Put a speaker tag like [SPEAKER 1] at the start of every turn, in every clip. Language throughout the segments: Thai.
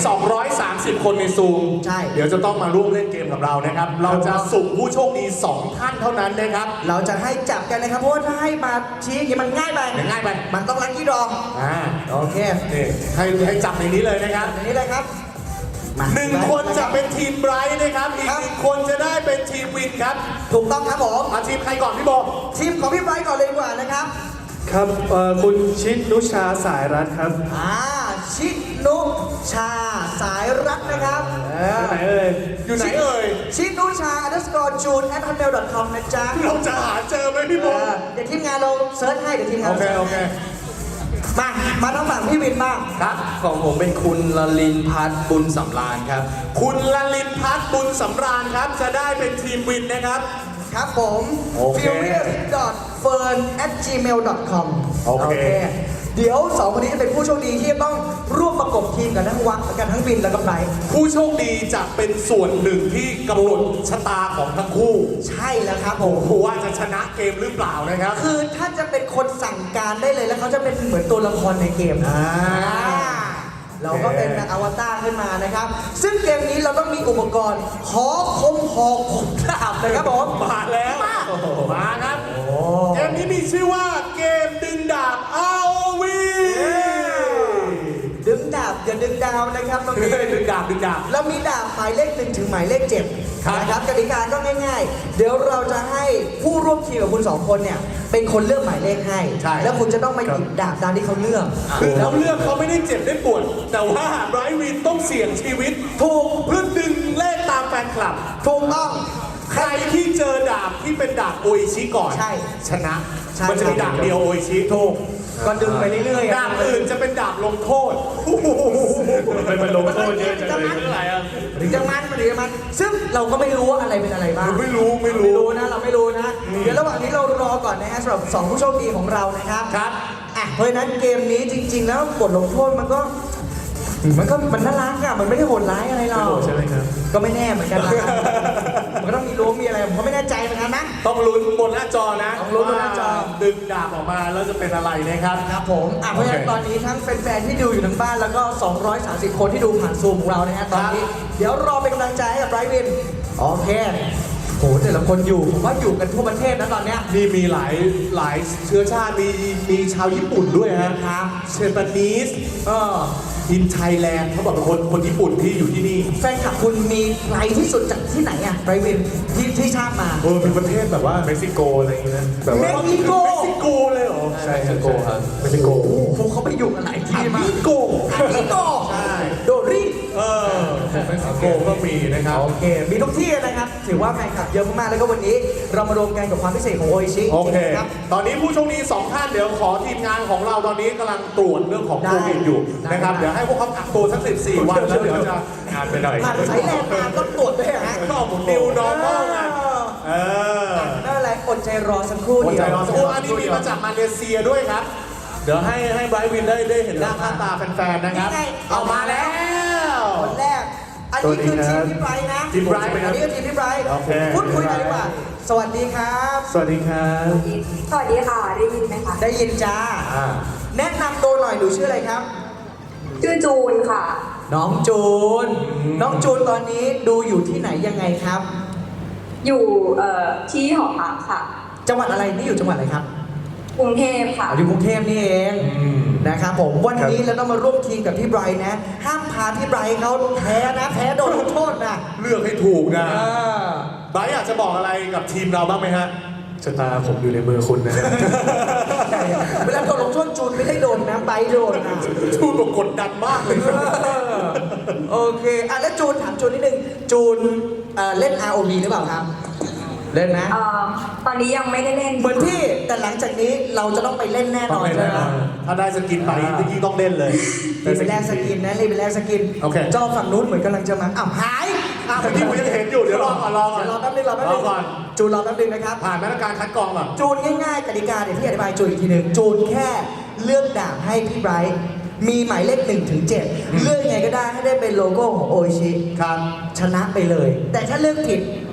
[SPEAKER 1] 230 คนในซูม
[SPEAKER 2] ใช่
[SPEAKER 1] เดี๋ยวจะต้องมาร่วมเล่นเกมกับเรานะครับ เราจะสุ่มผู้โชคดี 2 ท่านเท่านั้นนะครับ
[SPEAKER 2] เราจะให้จับกันนะครับเพราะว่าถ้าให้มาชี้อย่างนี้มันง่ายไป
[SPEAKER 1] ง่ายไป
[SPEAKER 2] มันต้องลัคกี้ดรอ โอเค
[SPEAKER 1] นี่ให้จับในนี้เลยนะครับ
[SPEAKER 2] อย่างนี้เลยครับมา
[SPEAKER 1] 1 คนจะเป็นทีมไบรท์นะครับ อีก 1 คนจะได้เป็นทีมวินครับ
[SPEAKER 2] ถูกต้องครับผม
[SPEAKER 1] มาทีมใครก่อนพี่โบ
[SPEAKER 2] ทีมของพี่ไบรท์ก่อนเลยดีกว่านะครับ
[SPEAKER 3] ครับคุณชิดนุชาสายรัตน์ครับ
[SPEAKER 2] ชินุชาสายรักนะครับ
[SPEAKER 3] ไหนเอ่ย
[SPEAKER 1] อยู่ไหนเอ่ย
[SPEAKER 2] ชินุชา _june@hotmail.com นะจ๊ะ
[SPEAKER 1] เราจะหาเจอไหมพี่โบ
[SPEAKER 2] เดี๋ยวทีมงานเราเซิร์ชให้เดี๋ยวทีมงาน
[SPEAKER 1] โอเค
[SPEAKER 2] รา
[SPEAKER 1] โอเค
[SPEAKER 2] มาทางฝั่งพี่วินบ้าง
[SPEAKER 1] ครับ
[SPEAKER 4] ของผมเป็นคุณลลินพัฒน์บุญสำราญครับ
[SPEAKER 1] คุณลลินพัฒน์บุญสำราญครับ จะได้เป็นทีมวินนะครับ
[SPEAKER 2] ครับผม
[SPEAKER 1] โอเค
[SPEAKER 2] furious.fern@gmail.com
[SPEAKER 1] โอเค
[SPEAKER 2] เดี๋ยวสองคนนี้จะเป็นผู้โชคดีที่ต้องร่วมประกบทีมกันทั้งวักกันทั้งวินแล้วก็ไบรท์
[SPEAKER 1] ผู้โชคดีจะเป็นส่วนหนึ่งที่กำหนดชะตาของทั้งคู่
[SPEAKER 2] ใช่แล้วครับผม
[SPEAKER 1] ว่าจะชนะเกมหรือเปล่านะครับ
[SPEAKER 2] คือถ้าจะเป็นคนสั่งการได้เลยแล้วเขาจะเป็นเหมือนตัวละครในเกมเราก็เป็นอวตารขึ้นมานะครับ ซึ่งเกมนี้เราต้องมีอุปกรณ์หอคมหอกคมดาบนะครับผม
[SPEAKER 1] มาแล้วมาครับ เกมนี้มีชื่อว่าเกมดึงดาบ ROV
[SPEAKER 2] ดึงดาบอย่าดึงดาวนะครับเรามี
[SPEAKER 1] ดึงดาบดึงดาบ
[SPEAKER 2] เรามีดาบหมายเลข1ถึงหมายเลข7
[SPEAKER 1] ครับ
[SPEAKER 2] นะครับกติกาก็ง่ายๆ เดี๋ยวเราจะให้ผู้ร่วมทีมกับคุณ2คนเนี่ยเป็นคนเลือกหมายเลขให้
[SPEAKER 1] ใช่
[SPEAKER 2] แล้วคุณจะต้องมาหยิบดาบตามที่เขาเลือก
[SPEAKER 1] คือเขาเลือกเขาไม่ได้เจ็บได้ปวด แต่ว่าไบรท์วินต้องเสี่ยงชีวิต ถูกเพื่อดึงเลขตามแฟนคลับ
[SPEAKER 2] ถูกต้อง
[SPEAKER 1] ใครที่เจอดาบที่เป็นดาบโออิชิก่อน
[SPEAKER 2] ใช่
[SPEAKER 1] ชนะ
[SPEAKER 2] ใช่
[SPEAKER 1] มันจะมีดาบเดียวโออิชิ
[SPEAKER 2] ถูกก็ดึงไปเรื่อยๆ
[SPEAKER 1] ดาบอื่นจะเป็นดาบลงโทษ
[SPEAKER 3] เป็นลงโทษเยอะจังเลยเท่าไหร่อ่ะ
[SPEAKER 2] หรือจะมันซึ่งเราก็ไม่รู้ว่าอะไรเป็นอะไรบ้าง
[SPEAKER 1] ไม่รู้
[SPEAKER 2] ไม่รู้นะเราไม่รู้นะ เดี๋ยวระหว่างนี้เรารอก่อนนะฮะสำหรับ2ผู้โชคดีของเรานะครับ
[SPEAKER 1] ครับ
[SPEAKER 2] เพราะฉะนั้นเกมนี้จริง ๆ แล้วบทลงโทษมันน่ารักอะมันไม่ได้โหดร้ายอะไรหรอก
[SPEAKER 3] ไม่โหดใช่ไหมครับ
[SPEAKER 2] ก็ไม่แน่เหมือนกันนะ มันก็ต้องมีล้วงมีอะไรผมก็ไม่แน่ใจเหมือนกันนะ
[SPEAKER 1] ต้องลุ้นบนหน้าจอนะ
[SPEAKER 2] ต้องลุ้นบนหน้าจอ
[SPEAKER 1] ว่ดึงดาบออกมาแล้วจะเป็นอะไรนะครับ
[SPEAKER 2] ครับผมเพราะฉะนั้นตอนนี้ทั้งแฟนๆที่ดูอยู่ทั้งบ้านแล้วก็230 คนที่ดูผ่านซูมของเรานะฮะตอนนี้ เดี๋ยวรอเป็นกำลังใจให้กับไบรท์วินโอเคโหแต่ละคนอยู่ผมว่าอยู่กันทั่วประเทศนะตอนเนี้ย
[SPEAKER 1] นี่มีหลายเชื้อชาติมีชาวญี่ปุ่นด้วยฮะ
[SPEAKER 2] ครับ
[SPEAKER 1] เชปานีสอินไทยแลนด์เขาบอกเป็นคนญี่ปุ่นที่อยู่ที่นี่
[SPEAKER 2] แฟนคลับคุณมีไกลที่สุดจากที่ไหนอะไบรท์วินที่ชาติมา
[SPEAKER 1] เป็นประเทศแบบว่า
[SPEAKER 3] เม็กซิโกอะไรอย่างเงี้ยนะแบบ
[SPEAKER 2] เม็
[SPEAKER 3] ว่าก
[SPEAKER 2] ซิโก
[SPEAKER 1] เม็กซิโกเลยเหรอ
[SPEAKER 3] ใช่เม็กซิโกครับเม็กซิโก
[SPEAKER 2] โอ้โหเขาไปอยู่กันหลายที่มาก
[SPEAKER 1] มิโก
[SPEAKER 2] มิโก
[SPEAKER 1] ใช่
[SPEAKER 2] โดริ
[SPEAKER 1] เม็กซิโกก็มีนะครับ
[SPEAKER 2] โอเค มีทุกที่นะครับ ถือว่าแฟนคลับเยอะมากๆ แล้วก็วันนี้เรามารวมกันกับความพิเศษของโออิชิ
[SPEAKER 1] โอเค
[SPEAKER 2] ครับ
[SPEAKER 1] ตอนนี้ผู้โชคดี2 ท่านเดี๋ยวขอทีมงานของเราตอนนี้กำลังตรวจเรื่องของโควิดอยู่นะครับ เดี๋ยวให้พวกเขากักตัวสัก14 วันแล้วเดี๋ยวจะ
[SPEAKER 3] งานไปหน่อย
[SPEAKER 2] ผ่านสายแลนด์มาต้องตรวจด้วยฮะ
[SPEAKER 1] ก็หมุนนิวนอร์มอลไงเออ
[SPEAKER 2] นั่นอะไรอดใจรอสักครู่
[SPEAKER 1] หัว
[SPEAKER 2] เดี
[SPEAKER 1] ใจ
[SPEAKER 2] ยว
[SPEAKER 1] รอสักครู่อันนี้มีมาจากมาเลเซียด้วยครับ เดี๋ยวให้ไบรท์วินได้เห็นหน้าค่าตาแฟนๆนะครับ เอามาแล้ว
[SPEAKER 2] คนแรก อันนี้คือทีมพี่ไบรท์นะ
[SPEAKER 1] ทีมไบรท์เป็นครับ
[SPEAKER 2] อันนี้คือทีมพี่ไบรท์
[SPEAKER 1] โอเค
[SPEAKER 2] พูดคุยกันดีกว่า สวัสดีครับ
[SPEAKER 3] สวัสดีครับ
[SPEAKER 5] สวัสดีค่ะ ได้ยินไหมคะ
[SPEAKER 2] ได้ยินจ้า แนะนำตัวหน่อยหนูชื่ออะไรครับ
[SPEAKER 5] ชื่อจูนค่ะ
[SPEAKER 2] น้องจูน น้องจูนตอนนี้ดูอยู่ที่ไหนยังไงครับ
[SPEAKER 5] อยู่ที่หอพักค่ะ
[SPEAKER 2] จังหวัดอะไรนี่อยู่จังหวัดอะไรครับ
[SPEAKER 5] กรุงเทพค่ะ
[SPEAKER 2] อยู่กรุงเทพนี่เองนะครับผมวันนี้เราต้องมาร่วมทีมกับพี่ไบรท์นะ ห้ามพาพี่ไบรท์เขาแพ้นะแพ้โดนลงโทษนะ
[SPEAKER 1] เลือกให้ถูกนะ
[SPEAKER 2] เออ
[SPEAKER 1] ไบรท์อยากจะบอกอะไรกับทีมเราบ้างไหมฮะ
[SPEAKER 3] ชะตาผมอยู่ในมือคุณนะฮะ
[SPEAKER 2] เวลาโดนลงโทษจูนไม่ได้โดนนะไบรท์โดนนะ
[SPEAKER 1] ชูนบอกกดดันมากเลย
[SPEAKER 2] โอเคอ่ะแล้วจูนถามจูนนิดนึงจูนเล่น ROV หรือเปล่าครับ เล่นนะ
[SPEAKER 5] ตอนนี้ยังไม่ได้เล่น
[SPEAKER 2] เหมือนพี่แต่หลังจากนี้เราจะต้องไปเล่นแน่นอน
[SPEAKER 1] ต้องเล่นแน่นอน
[SPEAKER 2] ใช่ไหม
[SPEAKER 1] ถ้าได้สกินไปเมื่อกี้ต้องเล่นเลย
[SPEAKER 2] รีบไปแลกสกินนะรีบไปแลกสกิน
[SPEAKER 1] โอเค
[SPEAKER 2] จอฝั่งนู้นเหมือนกำลังจะมาอ้าวหาย
[SPEAKER 1] เมื่อกี้ผมยังเห็นอยู่ เดี๋ยวรอก่อนรอก่อน
[SPEAKER 2] เดี๋ยวรอแป๊บนึงรอแป๊บนึง
[SPEAKER 1] ก่อน
[SPEAKER 2] จูนรอแป๊บนึงนะครับ
[SPEAKER 1] ผ่านมาตรการคัดกรองก่อน
[SPEAKER 2] จูนง่ายๆกติกาเดี๋ยวพี่อธิบายจูนอีกทีหนึ่งจูนแค่เลือกดาบให้พี่ไบรท์มีหมายเลข1 ถึง 7เลือกยังไงก็ได้ให้ได้เป็นโลโก้ของโออิชิ
[SPEAKER 1] ครับ
[SPEAKER 2] ชนะไปเลย แต่ถ้าเลือกผิด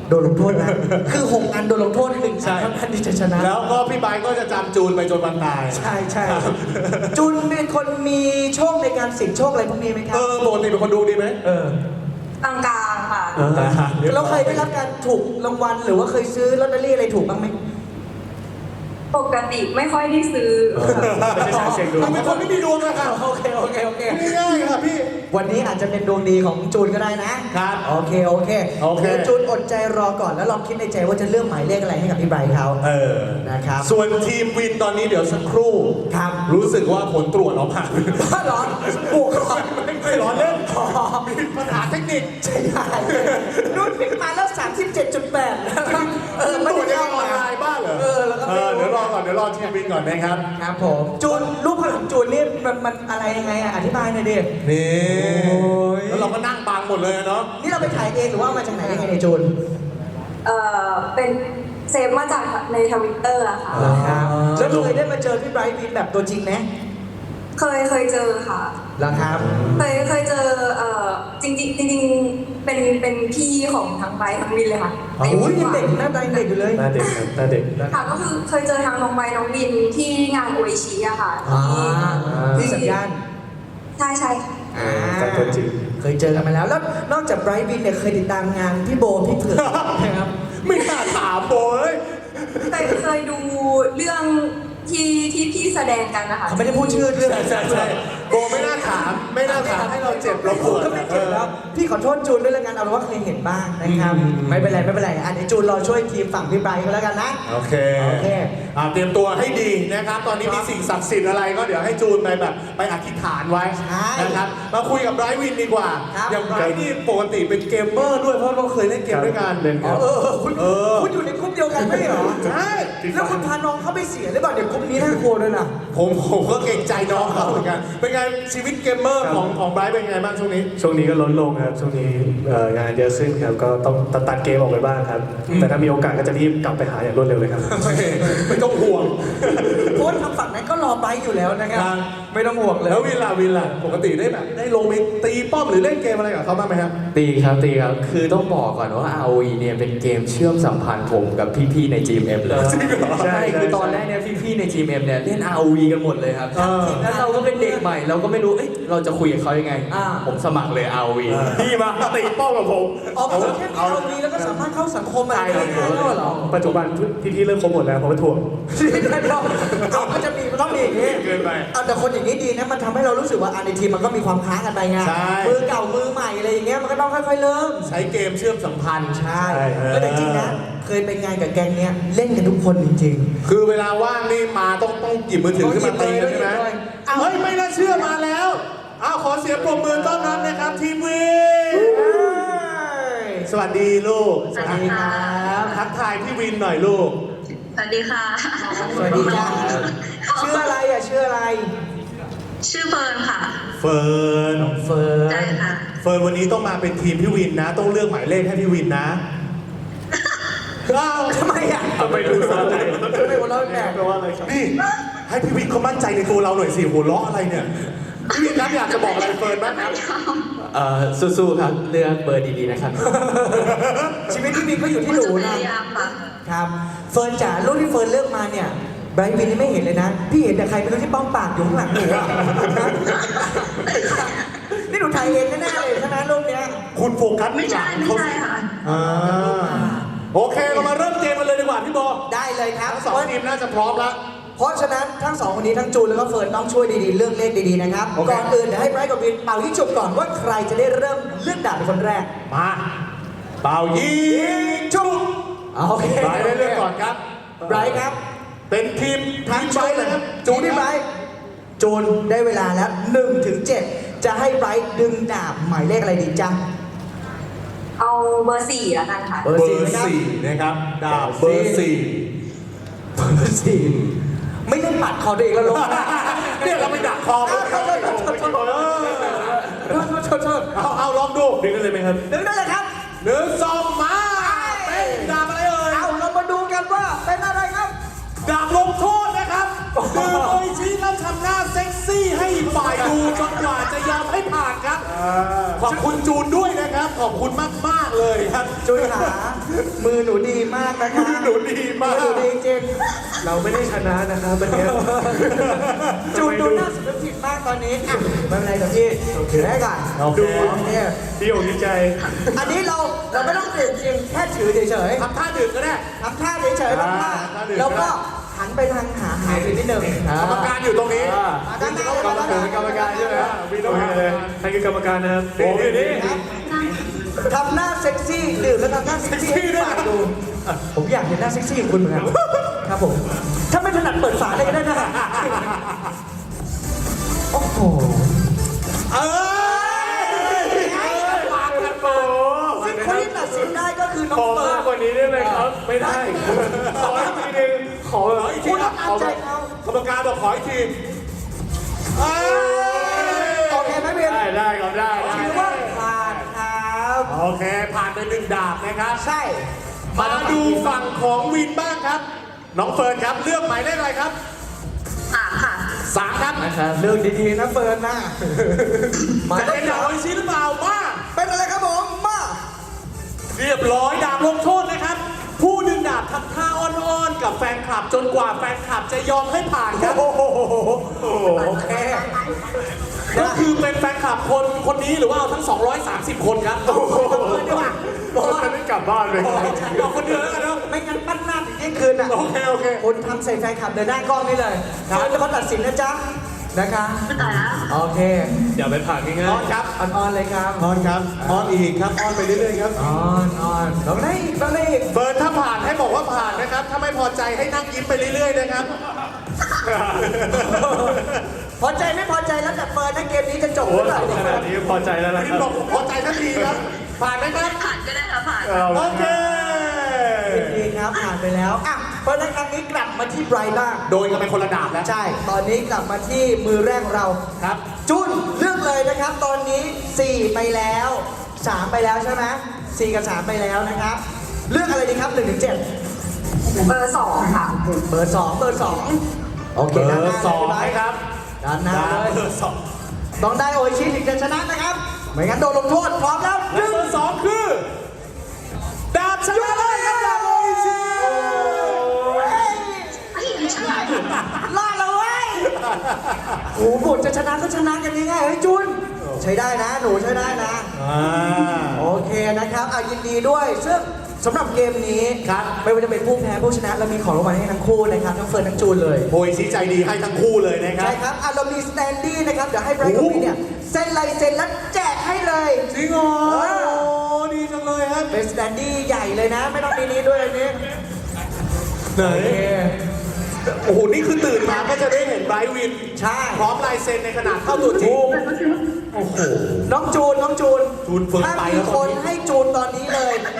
[SPEAKER 2] โดนลงโทษนะ คือ6อันโดนลงโทษ1อันเท่านั้นที่จะชนะ
[SPEAKER 1] แล้วก็พี่ไบร์ทก็จะจำจูนไปจนวันตาย
[SPEAKER 2] ใช่ใช่จุนเป็นคนมีโชคในการเสี่ยงโชคอะไรพวกนี้ไหมครั
[SPEAKER 1] ปกติเป็นคนดูดีไหม
[SPEAKER 5] กลางๆค่ะ
[SPEAKER 2] เราเคยได้รับการถูกรางวัลหรือว่าเคยซื้อลอตเตอรี่อะไรถูกบ้างไหม
[SPEAKER 5] ปกติไม่ค่อยได้ซื้อ
[SPEAKER 3] ไม่ใช่สายเสียงดวง
[SPEAKER 1] ทำเป็นคนไม่มีดวงอะครับ
[SPEAKER 2] โอเคโอเคโอเค
[SPEAKER 1] ง่ายๆครับพี่
[SPEAKER 2] วันนี้อาจจะเป็นดวงดีของจูนก็ได้นะครับ โอเคโอเค
[SPEAKER 1] โอเค
[SPEAKER 2] ดี๋ยวจูนอดใจรอก่อนแล้วลองคิดในใจว่าจะเลือกหมายเลขอะไรให้กับพี่ไบรท์เขา นะครับ
[SPEAKER 1] ส่วนทีมวินตอนนี้เดี๋ยวสักครู่
[SPEAKER 2] ครับ
[SPEAKER 1] รู้สึกว่าผลตรวจออกมา
[SPEAKER 2] บ้าเหรอบวกก่อน
[SPEAKER 1] ไม่ร้อนเล่นมีปัญหาเทคนิค
[SPEAKER 2] ใช่ได้นุ่นพลิกมาแล้ว 37.8นะครับไม่
[SPEAKER 1] ตรวจ
[SPEAKER 2] ได้
[SPEAKER 1] ยังออนไลน์บ้างเหรอ
[SPEAKER 2] แล้วก็ไม่รู้
[SPEAKER 1] เดี๋ยวรอก่อนเดี๋ยวรอทีมวินก่อนนะครับ
[SPEAKER 2] ครับผมจูนรูปภาพของจูนนี่มันอะไรยังไงอ่ะอธิบายหน่อยดิ
[SPEAKER 1] นี่
[SPEAKER 2] โอ้ย
[SPEAKER 1] แล้วเราก็นั่งบังหมดเลยอะเนาะ
[SPEAKER 2] นี่เราไปถ่ายเองหรือว่าเอามาจากไหนยังไงเนี่ยจูน
[SPEAKER 5] เป็นเซฟมาจากในทวิตเตอร์อะค่ะ
[SPEAKER 2] ครับแล้วเคยได้มาเจอพี่ไบรท์วินแบบตัวจริงไหม
[SPEAKER 5] เคยเจอค่ะ
[SPEAKER 2] แล้วครับ
[SPEAKER 5] เคยเจอจริงเป็นพี่ของทั้งไบร์ททั้งวินเลยค่ะ
[SPEAKER 2] โอ้ยยังเด็กหน้าตายังเด็กอยู่เลย
[SPEAKER 3] หน้าเด็กครับหน้าเด็ก
[SPEAKER 5] ค่ะก็คือเคยเจอทั้งน้องไบร์ทน้องวินที่งานโออิชิอะค่ะ
[SPEAKER 2] ที่สัญญาณ
[SPEAKER 5] ใช่ค่ะ
[SPEAKER 3] จากตัวจริง
[SPEAKER 2] เคยเจอกันมาแล้ว แล้วนอกจากไบรท์วินเนี่ยเคยติดตามงานพี่โบพี่เผือกนะครับ
[SPEAKER 1] ไม่น่าถามโบเลย
[SPEAKER 5] เคยดูเรื่องที่พี่แสดงกันนะคะ
[SPEAKER 2] เขาไม่ได้พูดชื่อเรื่อง
[SPEAKER 1] ใช่โบไม่น่าถามให้เราเจ็บเราปวด
[SPEAKER 2] ก็ไม่เจ็บแล้ว พี่ขอโทษจูนด้วยแล้วกันเอาเป็นว่าเคยเห็นบ้างนะครับ ไม่เป็นไรไม่เป็นไรอันนี้จูนรอช่วยทีมฝั่งพี่ไบรท์เขาแล้วกันนะ
[SPEAKER 1] โอเค
[SPEAKER 2] โอเค
[SPEAKER 1] เตรียมตัวให้ดีนะครับ ตอนนี้มีสิ่งศักดิ์สิทธิ์อะไรก็เดี๋ยวให้จูนไปแบบไปอธิษฐานไว้
[SPEAKER 2] ใช่
[SPEAKER 1] นะครับมาคุยกับไบรท์วินดีกว่า
[SPEAKER 2] ครับ
[SPEAKER 1] อย่างไบรท์นี่ปกติเป็นเกมเมอร์ด้วยเพราะเราเคยเล่นเกมด้วยกัน
[SPEAKER 3] เล่น
[SPEAKER 2] อ๋
[SPEAKER 3] ค
[SPEAKER 2] อ
[SPEAKER 3] รับ
[SPEAKER 2] คุณอยู่ในกลุ่มเดียวกันไม่เหรอ
[SPEAKER 1] ใช่
[SPEAKER 2] แล้วคุณพาน้องเข้าไปเสียหรือเปล่าเดี๋ยวกลุ่มนี้น่ากลัวด้วยนะ
[SPEAKER 1] ผมก็เกรงใจน้องเขาเหมือนกันเป็นไงชีวิตเกมเมอร์ของไบรท์เป็นไงบ้างช่วงนี้
[SPEAKER 3] ช่วงนี้ก็ลดลงครับ ช่วงนี้งานเยอะขึ้นครับ ก็ต้องตัดเกมออกไปบ้างครับ แต่ถ้ามีโอกาสก็จะรีบกลับไปหาอย่างรวดเร็วเลยครับ
[SPEAKER 1] ไม่ต้องห่วง
[SPEAKER 2] เพราะว่าทางฝั่งนั้นก็รอไบรท์อยู่แล้วนะครับ
[SPEAKER 1] ครับ
[SPEAKER 2] ไม่ต้องห่วงเลย
[SPEAKER 1] แล้ววินล่ะปกติได้แบบได้ลงไปตีป้อมหรือเล่นเกมอะไรกับเขาบ้างไหมครับ
[SPEAKER 4] ตีครับ คือต้องบอกก่อนว่า ROE เนี่ยเป็นเกมเชื่อมสัมพันธ์ผมกับพี่ๆใน GMM เลย
[SPEAKER 1] จริงเหรอ
[SPEAKER 4] ใช่ คือตอนแรกเนี่ยพี่ๆใน GMM เนี่ยเล่น ROE กันหมดเลยครับ แล้วเราก็เป็นเด็กใหม่ เราก็ไม่รู้ เอ้ยเราจะคุยกับเขายังไง ผมสมัครเลย ROE
[SPEAKER 1] พี่มาตีป้อมกับผม
[SPEAKER 2] อ๋อเพราะว่าแค่มีเอาดีแล้วก็สามารถเข้าสังคมอะไรได้ง่ายแล้วเหรอ
[SPEAKER 3] ปัจจุบันพี่ๆเริ่มครบหมดแล้วเพราะว่าถ่วง
[SPEAKER 2] ไม่ได้หรอกเอาก็จะมีมันต้องมีอย่างนี้
[SPEAKER 1] เกินไป
[SPEAKER 2] เอาแต่คนอย่างนี้ดีนะมันทำให้เรารู้สึกว่าในทีมมันก็มีความค้ากันไปไง
[SPEAKER 1] ใช่
[SPEAKER 2] มือเก่ามือใหม่อะไรอย่างเงี้ยมันก็ต้องค่อยๆเริ่ม
[SPEAKER 1] ใช้เกมเชื่อมสัมพันธ์
[SPEAKER 2] ใช่
[SPEAKER 3] ใช่
[SPEAKER 2] ก็แต่จริงนะเคยไปงานกับแก๊งเนี้ยเล่นกันทุกคนจริง
[SPEAKER 1] คือเวลาว่างนี่มาต้องหยิบมือถือขึ้นมาตีกันใช่ไหม
[SPEAKER 2] ต้องหยิบเลย
[SPEAKER 1] อ้าวเฮ้ยไม่น่าเชื่อมาแล้วอ้าวขอเสียงปรบมือต้อนรับนะครับทีมวิน
[SPEAKER 2] ๆ
[SPEAKER 1] สวัสดีลูก
[SPEAKER 5] สวัสดีครับ
[SPEAKER 1] ทักทายพี่วินหน่อยลูก
[SPEAKER 5] สวัสดีค่ะ
[SPEAKER 2] สวัสดีจ้าชื่ออะไรอ่ะชื่ออะไร
[SPEAKER 5] ชื่อเฟิร์นค่ะ
[SPEAKER 1] เฟิร์น
[SPEAKER 2] เฟิร์น
[SPEAKER 5] ใช่ค่ะ
[SPEAKER 1] เฟิร์นวันนี้ต้องมาเป็นทีมพี่วินนะ ต้องเลือกหมายเลขให้พี่วินนะอ้าว
[SPEAKER 2] ทำไมอ่ะ
[SPEAKER 3] ทำไมดูสะใจ
[SPEAKER 2] ทำไมหัวเราะแปลก
[SPEAKER 3] แปลว่าอะไรครับ
[SPEAKER 1] นี่ให้พี่วินเขามั่นใจในตัวเราหน่อยสิหัวเราะอะไรเนี่ยพี่วินครับอยากจะบอกอะไรเฟิร์นบ้างครับ
[SPEAKER 4] สู้ๆครับ เลือกเบอร์ดีๆนะครับ
[SPEAKER 2] ชีวิตที่มีก็อยู่ที่หนูนะ ครับเฟิร์นจ๋ารูปที่เฟิร์นเลือกมาเนี่ยไบรท์วินนี่ไม่เห็นเลยนะ พี่เห็นแต่ใครไม่รู้ที่ป้อมปากอยู่ข้างหลังหนูอะนี่หนูถ่ายเองแน่ๆเลยใช่ไหมรูปเนี้ย
[SPEAKER 1] คุณโฟกัสไม่ใช่
[SPEAKER 5] ค่ะ
[SPEAKER 1] ค่ะโอเคเรามาเริ่มเกมกันเลยดีกว่าพี่โบ
[SPEAKER 2] ได้เลยครับ
[SPEAKER 1] ทั้งสองทีมน่าจะพร้อมแล้ว
[SPEAKER 2] เพราะฉะนั้นทั้งสองคนนี้ทั้งจูนแล้วก็เฟิร์นต้องช่วยดีๆเลือกเลขดีๆนะครับ
[SPEAKER 1] โอเค
[SPEAKER 2] ก่อนอื่นเดี๋ยวให้ไบรท์กับวินเป่ายิงฉุบก่อนว่าใครจะได้เริ่มเลือกดาบเป็นคนแรก
[SPEAKER 1] มาเป่ายิงชุบ
[SPEAKER 2] โอเค
[SPEAKER 1] ไบรท์ได้เลือกก่อนครับ
[SPEAKER 2] ไบรท์ครับ
[SPEAKER 1] เป็นทีม
[SPEAKER 2] ทั้ง
[SPEAKER 1] ไบร
[SPEAKER 2] จูน
[SPEAKER 1] ท์เลยครับ
[SPEAKER 2] จูนที่ไบรท์จูนได้เวลาแล้ว1 ถึง 7จะให้ไบรท์ดึงดาบหมายเลขอะไรดีจ๊ะ
[SPEAKER 5] เอาเบอร์4แล้วกันค่ะ
[SPEAKER 2] เบอร์
[SPEAKER 1] สี่นะครับดาบเบอร์สี่
[SPEAKER 2] เบอร์สี่ไม่เล่นปัดคอตัวเองแล้วลง
[SPEAKER 1] เนี่ยเราไปดักคอเขา
[SPEAKER 2] โทษ
[SPEAKER 1] เอาลองดู
[SPEAKER 3] ดึงกันเลยไหมครับ
[SPEAKER 2] ดึงได้เลยครับ
[SPEAKER 1] หนึ่งสองมาเป็นดาบอะไรเอ่ย
[SPEAKER 2] เอาเรามาดูกันว่าเป็นอะไรครับ
[SPEAKER 1] ดาบลงโทษนะครับคือโออิชิแล้วทำหน้าเซ็กซี่ให้ฝ่ายดูจนกว่าจะยอมให้ผ่านครับ ขอบคุณจูนด้วยนะครับ ขอบคุณมากๆเลยครับ
[SPEAKER 2] จูนขามือหนูดีมากนะคะ
[SPEAKER 1] หนูดีมาก
[SPEAKER 2] มือหนูดีจริง
[SPEAKER 3] เราไม่ได้ชนะนะครับวันนี้
[SPEAKER 2] จูนดูน่าสำนึกผิดมากตอนนี้อ่ะไม่เป็นไรเดี๋ยวพี่ถือให้ก่อน
[SPEAKER 1] โอเค
[SPEAKER 2] ดูเนี่ย
[SPEAKER 3] ดีอกดีใจ
[SPEAKER 2] อันนี้เราไม่ต้องเปลี่ยนจริงแค่ถือเฉยๆ
[SPEAKER 1] ทำท่าดื่มก็ได้
[SPEAKER 2] ทำท่าเฉยๆทำท่า
[SPEAKER 1] ท่าดื่ม
[SPEAKER 2] แล้วก็หันไปทางหาวินนิดนึง
[SPEAKER 1] กรรมการอยู่ตรงนี้
[SPEAKER 2] มาด้านหน้าเลยมาด้านหน้า
[SPEAKER 3] กรรมการใช่ไหมมีต้องมีเลยใครคือกรรมการนะครับโอ้ยนี่
[SPEAKER 2] ครับทำหน้าเซ็กซี่ดื่มแล้วทำหน้าเซ็กซี่ให้ฝากดูผมอยากเห็นหน้าเซ็กซี่ของคุณเหมือนกันครับผมถ้าไม่ถนัดเปิดฝาเลยก็ได้นะโอ้โห
[SPEAKER 1] เอ้ยปากกันโป
[SPEAKER 2] ซึ่งคนที่ตัดสินได้ก็คือน้อ
[SPEAKER 3] ข
[SPEAKER 2] ง
[SPEAKER 3] อ
[SPEAKER 2] เฟิ
[SPEAKER 3] มาก
[SPEAKER 2] ร์น
[SPEAKER 3] กว่านี้ได้ไหมครับ ไม่ได้ ขออีกทีนึงขอแบบ
[SPEAKER 1] อีกที
[SPEAKER 2] คุณ
[SPEAKER 1] นะ
[SPEAKER 2] ตามใจเขา
[SPEAKER 1] กรรมการบอกขออีกทีเอ้ย
[SPEAKER 2] โอเคไหมเบียน
[SPEAKER 3] ได้ครับได้
[SPEAKER 2] ถือว่าผ่านครับ
[SPEAKER 1] โอเค ผ่านไปหนึ่งดาบนะครับ
[SPEAKER 2] ใช่
[SPEAKER 1] มาดูฝั่งของวินบ้างครับ น้องเฟิร์นครับ เลือกหมายเลขอะไรครับ
[SPEAKER 5] ค่ะ
[SPEAKER 1] 3 ครับ
[SPEAKER 4] นะครับ
[SPEAKER 2] เลือกดีๆนะเฟิร์นนะมา
[SPEAKER 1] จะ
[SPEAKER 2] ได้
[SPEAKER 1] เป็น
[SPEAKER 2] แล้
[SPEAKER 1] ดาว บโออิชิหรือเปล่า มา
[SPEAKER 2] เป็นอะไรครับผมมา
[SPEAKER 1] เรียบร้อยดาบลงโทษนะครับ ผู้ดึงดาบทำท่าอ้อนๆกับแฟนคลับจนกว่าแฟนคลับจะยอมให้ผ่านครับ
[SPEAKER 2] โอ้โหโอเค
[SPEAKER 1] ก็คือเป็นแฟนคลับคนนี้หรือว่าเอาทั้ง 230 คนครับ
[SPEAKER 2] เฟิร์นดีกว่า
[SPEAKER 3] บอกว่าไม่กลับบ้านเลย
[SPEAKER 1] เอาคนเดียวแล้วกันเนาะ
[SPEAKER 2] ไม่งั้นปั้นหน้าถึงเที่ยงคืนอ่ะ
[SPEAKER 1] โอเคโอเค
[SPEAKER 2] คุณทำใส่แฟนคลับเดินหน้ากล้องนี่เลยเฟิร์นเป็นคนตัดสินนะจ๊ะนะคะ
[SPEAKER 5] ไม่ต่อแล้ว
[SPEAKER 2] โอเค
[SPEAKER 3] อย่าไปผ่านง่าย
[SPEAKER 1] อ้อนครับ
[SPEAKER 2] อ่อนๆเลยครับ
[SPEAKER 1] อ้อนครับอ้อนอีกครับอ้อนไปเรื่อยๆครับ
[SPEAKER 2] อ่อนลองได้อีกลองได้อีก
[SPEAKER 1] เฟิร์นถ้าผ่านให้บอกว่าผ่านนะครับ ถ้าไม่พอใจให้นั่งยิ้มไปเรื่อยๆนะครับ
[SPEAKER 2] พอใจไม่พอใจแล้วแต่เฟิร์นนะเกมนี้จะจบ
[SPEAKER 3] โอ้
[SPEAKER 2] เมื่อไหร่
[SPEAKER 3] ขนาดนี้พอใจแล้วนะ
[SPEAKER 1] วิ
[SPEAKER 3] คน รับ
[SPEAKER 1] บอกพอใจทันทีครับ ผ่านไหมครับ
[SPEAKER 5] ผ่านก็ได้ค่ะผ่าน
[SPEAKER 1] โอเค
[SPEAKER 2] ดีครับผ่านไปแล้วอ่ะเพราะในครั้งนี้กลับมาที่ไบรท์บ้าง
[SPEAKER 1] โดยกันเป็นคนละดาบแล้ว
[SPEAKER 2] ใช่ ตอนนี้กลับมาที่มือแรกของเรา
[SPEAKER 1] ครับ
[SPEAKER 2] จุนเลือกเลยนะครับ ตอนนี้ 4 ไปแล้ว 3 ไปแล้วใช่ไหม4 กับ 3 ไปแล้วนะครับ เลือกอะไรดีครับ1 ถึง 7
[SPEAKER 5] เบอร์ 2 ค่ะ
[SPEAKER 2] เบอร์ 2 เบอร์ 2 โอเค
[SPEAKER 1] เบ
[SPEAKER 2] ด้านห
[SPEAKER 1] อ
[SPEAKER 2] น้า
[SPEAKER 1] ร์สอง
[SPEAKER 2] เลย
[SPEAKER 1] นะครับ
[SPEAKER 2] ด้านหน้าเลย
[SPEAKER 1] เบอร์สอง
[SPEAKER 2] ต้องได้โออิชิถึงจะชนะนะครับ ไม่งั้นโดนลงโทษพร้อมแล้ว
[SPEAKER 1] และเบอร์สองคือ ดาบชนะเลยครับดาบโออิชิ
[SPEAKER 2] รอดแล้วเว้ยโอ้โหบทจะชนะก็ชนะกันง่ายๆเฮ้ยจุน ใช้ได้นะ หนูใช้ได้นะ โอเคนะครับยินดีด้วย ซึ่งสำหรับเกมนี้
[SPEAKER 1] ครับ
[SPEAKER 2] ไม่ว่าจะเป็นผู้แพ้ผู้ชนะเรามีของรางวัลให้ทั้งคู่นะครับทั้งเฟิร์นทั้งจูนเลย
[SPEAKER 1] โออิชิใจดีให้ทั้งคู่เลยนะครั
[SPEAKER 2] ใช่
[SPEAKER 1] บ
[SPEAKER 2] ครับเรามีสแตนดี้นะครับเดี๋ยวให้ไบรท์กับพี่เนี่ยเซ็นลายเซ็นแล้วแจกให้เลย
[SPEAKER 1] จริงเหรอโอ้ดีจังเลยครับ
[SPEAKER 2] เป็นสแตนดี้ใหญ่เลยนะ ไม่ต้องมีนี้ด้วยอันนี้
[SPEAKER 1] ไหน
[SPEAKER 2] โอเค
[SPEAKER 1] โอ้โห นี่คือตื่นมาก็จะได้เห็นไบรท์วิน
[SPEAKER 2] ใช่
[SPEAKER 1] พร้อมลายเซ็นในขนาดเท่าตัวจริง โอ้โห
[SPEAKER 2] น้องจูน
[SPEAKER 1] จูนเฟิร์น
[SPEAKER 2] ถ้า
[SPEAKER 1] ไป
[SPEAKER 2] มี
[SPEAKER 1] แล้ว
[SPEAKER 2] คนให้จูนตอนนี้เลย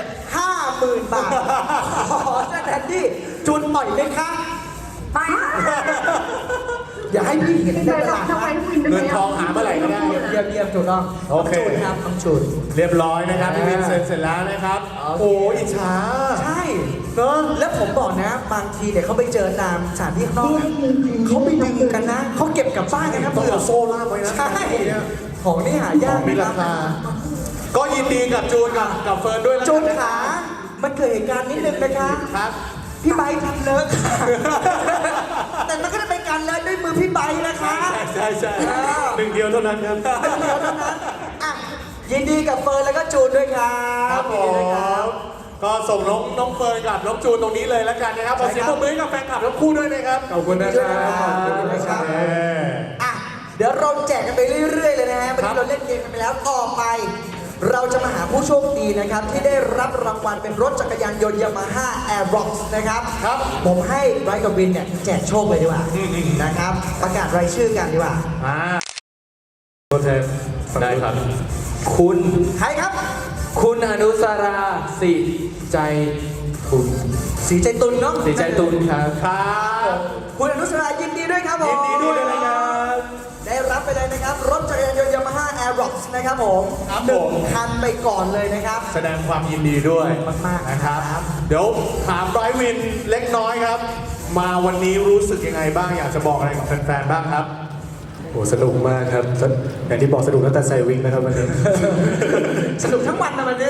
[SPEAKER 2] 50,000 บาท ขอสแตนดี้จูนปล่อยไหมคะ
[SPEAKER 5] ไม่
[SPEAKER 2] อย่าให้พี่เห็นในตลาดนะ
[SPEAKER 1] เงินทองหาเมื่อไหร่ก็ได้
[SPEAKER 2] เยี่ยมเยี่ยมถูกต้อง
[SPEAKER 1] โอเค
[SPEAKER 2] น้งจูนครับน้องจูน
[SPEAKER 1] เรียบร้อยนะครับพี่วินเซ็นเสร็จแล้วนะครับ
[SPEAKER 2] โอเค
[SPEAKER 1] โอ้อิจฉา
[SPEAKER 2] ใช่เนอะแล้วผมบอกนะ บางทีเนี่ยเขาไปเจอตามสถานที่ข้างนอกนะเขาไปดึงกันนะ เขาเก็บกลับบ้านกันนะ
[SPEAKER 1] ต้อง
[SPEAKER 2] เผื่อ
[SPEAKER 1] เอาโซ่ล่ามไว้นะ
[SPEAKER 2] ใช่ ของนี่หายาก
[SPEAKER 1] มีราคา ก็ยินดีกับจูนกับเฟิร์นด้วยแล้ว
[SPEAKER 2] จู
[SPEAKER 1] กัน นะ
[SPEAKER 2] ขา มันเกิดเหตุการณ์นิดนึงนะคะ
[SPEAKER 1] ครับ
[SPEAKER 2] พี่ไบค์ทำเลิกค่ะ แต่มันก็จะเป็นการเลิกด้วยมือพี่ไบค์นะคะ
[SPEAKER 1] ใช่ใช่
[SPEAKER 3] หนึ่งเดียวเท่านั้นครับ
[SPEAKER 2] เดียวเท่านั้นอ่ะยินดีกับเฟิร์นแล้วก็จูนด้วยครั
[SPEAKER 1] ครับ บผ
[SPEAKER 2] ยินดีด้วยครับ
[SPEAKER 1] มก็ส่งน้องเฟิร์นกับน้องจูนตรงนี้เลยแล้วกันนะครับขอเสียงปรบมือให้กับแฟนคลับทั้งคู่ด้วยนะครับ
[SPEAKER 3] ขอบคุณนะครับ
[SPEAKER 2] ขอบคุณนะครับ
[SPEAKER 1] เออ
[SPEAKER 2] อ่ะเดี๋ยวเราแจกกันไปเรื่อยๆเลยนะฮะวัน
[SPEAKER 1] ครั
[SPEAKER 2] นี้
[SPEAKER 1] บ
[SPEAKER 2] เราเล่นเกมกันไปแล้วต่อไป เราจะมาหาผู้โชคดีนะครับ ที่ได้รับรางวัลเป็นรถจักรยานยนต์ Yamaha Aerox นะครับ
[SPEAKER 1] ครับ
[SPEAKER 2] ผมให้ไบรท์กับวินเนี่ยแจกโชคเลยดีกว่านะครับ ประกาศรายชื่อกันดีกว่า
[SPEAKER 1] อ่า
[SPEAKER 3] ตัวแทน
[SPEAKER 4] ได้ครับ คุณ
[SPEAKER 2] ใครครับ
[SPEAKER 4] คุณอนุสราสิใจตุน
[SPEAKER 2] สีใจตุลเนาะ
[SPEAKER 4] สิใจตุนครับ
[SPEAKER 1] ครับ
[SPEAKER 2] คุณอนุสรายินดีด้วยครับผม
[SPEAKER 1] ยินดีด้วยนะครับ
[SPEAKER 2] ได้รับไปเลยนะครับ รถจักรยานยนต์ Yamaha Aerox นะครับผม
[SPEAKER 1] ครับ
[SPEAKER 2] หนึ่ง
[SPEAKER 1] ผม
[SPEAKER 2] คันไปก่อนเลยนะครับ
[SPEAKER 1] แสดงความยินดีด้วย
[SPEAKER 2] มากๆ
[SPEAKER 1] นะครับ
[SPEAKER 2] ครับ
[SPEAKER 1] เดี๋ยวถามไบรท์วินเล็กน้อยครับ มาวันนี้รู้สึกยังไงบ้างอยากจะบอกอะไรกับแฟนๆบ้างครับ
[SPEAKER 3] โอ้สนุกมากครับ อย่างที่บอกสนุกตั้งแต่ใส่วิกนะครับวันนี้
[SPEAKER 2] สนุกทั้งวันนะวันนี้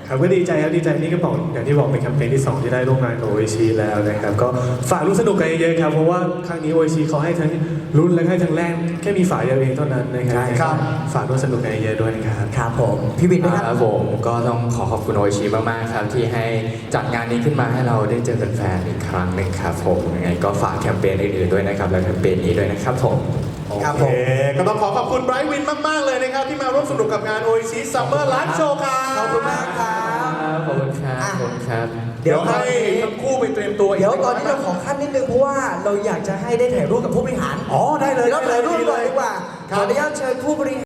[SPEAKER 3] ครับก็ดีใจครับดีใจนี่ก็บอกอย่างที่บอกเป็นแคมเปญที่ 2 ที่ได้ร่วมงานกับโอชิแล้วนะครับก็ฝากร่วมสนุกกันเยอะๆครับเพราะว่าครั้งนี้โอชิเขาให้ทั้งรุ่นและให้ทั้งแรกแค่มีฝาเดียวเองเท่านั้นนะครับฝากร่วมสนุกกันเยอะๆด้วยนะครับ
[SPEAKER 2] ครับผมพี่วินนะค
[SPEAKER 4] ค
[SPEAKER 2] รั
[SPEAKER 4] รับ บผมก็ต้องขอขอบคุณโอชิมากๆครับที่ให้จัดงานนี้ขึ้นมาให้เราได้เจอแฟนๆอีกครั้งหนึ่งครับผมยังไงก็ฝากแคมเปญอื่นๆด้วยนะครับและแคมเปญนี้ด้วยนะครับผม
[SPEAKER 2] ครับ
[SPEAKER 1] โอ
[SPEAKER 2] ผม
[SPEAKER 1] เคก็ต้องขอขอบคุณไบรท์วินมาก ๆ เลยนะครับ ที่มาร่วมสนุกกับงาน OIC Summer Live Show ครับ
[SPEAKER 2] ขอบคุณมากครับ
[SPEAKER 4] ขอบคุณครับขอบคุณครับ
[SPEAKER 1] เดี๋ยวให้ทั้งคู่ไปเตรียมตัวก
[SPEAKER 2] เดี๋ยวตอนนี้เราขอขั้นนิดนึงเพราะว่าเราอยากจะให้ได้ถ่ายรูปกับผู้บริหาร
[SPEAKER 1] อ๋อได้เลย
[SPEAKER 2] เดี๋ยวเราถ่ายรูปก่อนดีกว่า
[SPEAKER 1] ครั
[SPEAKER 2] ข
[SPEAKER 1] บ
[SPEAKER 2] ออนุญาตเชิญผู้บริหาร